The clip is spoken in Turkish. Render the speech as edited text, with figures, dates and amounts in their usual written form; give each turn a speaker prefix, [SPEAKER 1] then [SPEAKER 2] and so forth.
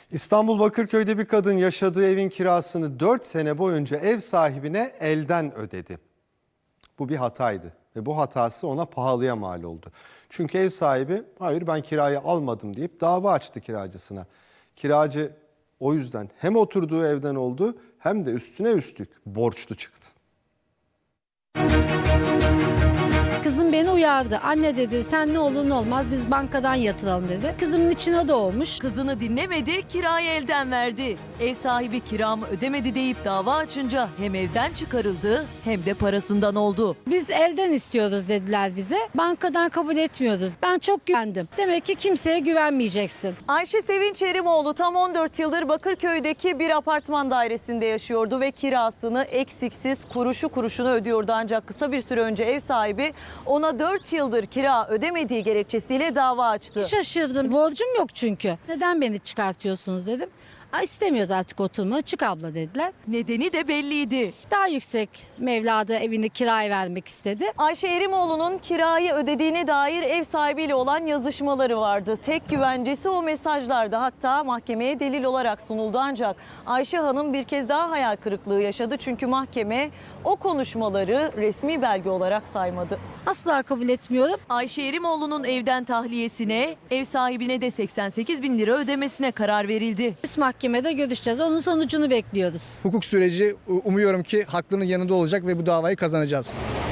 [SPEAKER 1] İstanbul Bakırköy'de bir kadın yaşadığı evin kirasını 4 sene boyunca ev sahibine elden ödedi. Bu bir hataydı ve bu hatası ona pahalıya mal oldu. Çünkü ev sahibi hayır ben kirayı almadım deyip dava açtı kiracısına. Kiracı o yüzden hem oturduğu evden oldu hem de üstüne üstlük borçlu çıktı.
[SPEAKER 2] Kızım beni uyardı. Anne dedi sen ne olur ne olmaz biz bankadan yatıralım dedi. Kızımın içine doğmuş.
[SPEAKER 3] Kızını dinlemedi, kirayı elden verdi. Ev sahibi kiramı ödemedi deyip dava açınca hem evden çıkarıldı hem de parasından oldu.
[SPEAKER 2] Biz elden istiyoruz dediler bize. Bankadan kabul etmiyoruz. Ben çok güvendim. Demek ki kimseye güvenmeyeceksin.
[SPEAKER 3] Ayşe Sevinç Erimoğlu tam 14 yıldır Bakırköy'deki bir apartman dairesinde yaşıyordu ve kirasını eksiksiz kuruşu kuruşuna ödüyordu. Ancak kısa bir süre önce ev sahibi ona 4 yıldır kira ödemediği gerekçesiyle dava açtı.
[SPEAKER 2] Şaşırdım. Borcum yok çünkü. Neden beni çıkartıyorsunuz dedim. İstemiyoruz artık oturma. Çık abla dediler.
[SPEAKER 3] Nedeni de belliydi.
[SPEAKER 2] Daha yüksek mevlada evini kiraya vermek istedi.
[SPEAKER 3] Ayşe Erimoğlu'nun kirayı ödediğine dair ev sahibiyle olan yazışmaları vardı. Tek güvencesi o mesajlardı. Hatta mahkemeye delil olarak sunuldu ancak Ayşe Hanım bir kez daha hayal kırıklığı yaşadı. Çünkü mahkeme o konuşmaları resmi belge olarak saymadı.
[SPEAKER 2] Asla kabul etmiyorum.
[SPEAKER 3] Ayşe Erimoğlu'nun evden tahliyesine, ev sahibine de 88 bin lira ödemesine karar verildi.
[SPEAKER 2] Üst mahkemede görüşeceğiz. Onun sonucunu bekliyoruz.
[SPEAKER 4] Hukuk süreci umuyorum ki haklının yanında olacak ve bu davayı kazanacağız.